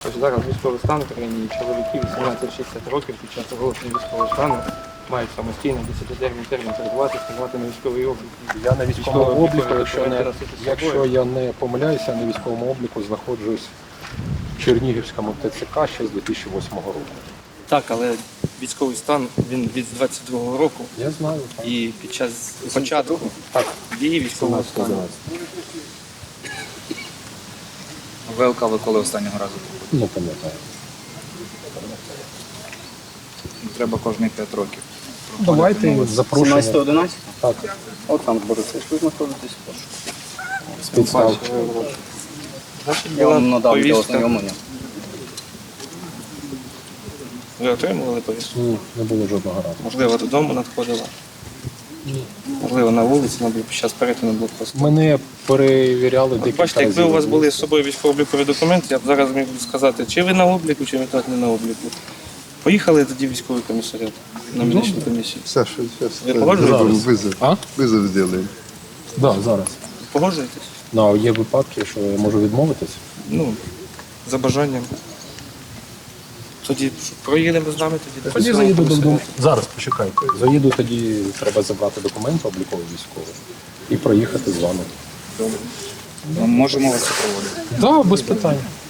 Тобто зараз військовий стан в країні, чоловіки 18-60 років під час оголошення військового стану мають самостійно 10-денний термін перебувати, ставати на військовий облік. Я на військовому обліку, документи якщо я не помиляюся, на військовому обліку знаходжусь в Чернігівському ТЦК ще з 2008 року. Так, але військовий стан, він від 22-го року. Я знаю. Так. І під час початку дії військового стану. ВЛК ви коли останнього разу? Не пам'ятаю. Треба кожні 5 років. Давайте запрошуємо. 17-11? Так, Олександр Борисович, ви знаходитесь в пошуку. спецстав. Значить, Я була вам надав для повістка. ознайомлення. Ви отримували повістку? Ні, не було жодного разу. Можливо, додому надходила? Можливо, на вулиці, під час перетину блокпосту. Мене перевіряли декілька Бачите, разів. якби у вас були з собою військово-облікові документи, я б зараз міг сказати, чи ви на обліку, чи ви так не на обліку. Поїхали тоді в військовий комісаріат на медичну комісію. Саша, сейчас Ви погоджуєтесь? вызов. А? Вызов сделаем. Так, да, зараз. Погоджуєтесь? Ну, а є випадки, що я можу відмовитись. Ну, за бажанням. Тоді проїдемо з нами тоді до Тоді військового заїду додому. комісаріату. Зараз почекайте. Заїду, тоді треба забрати документи облікові військові і проїхати з вами. Ми можемо вас супроводити. Так, да, без питань.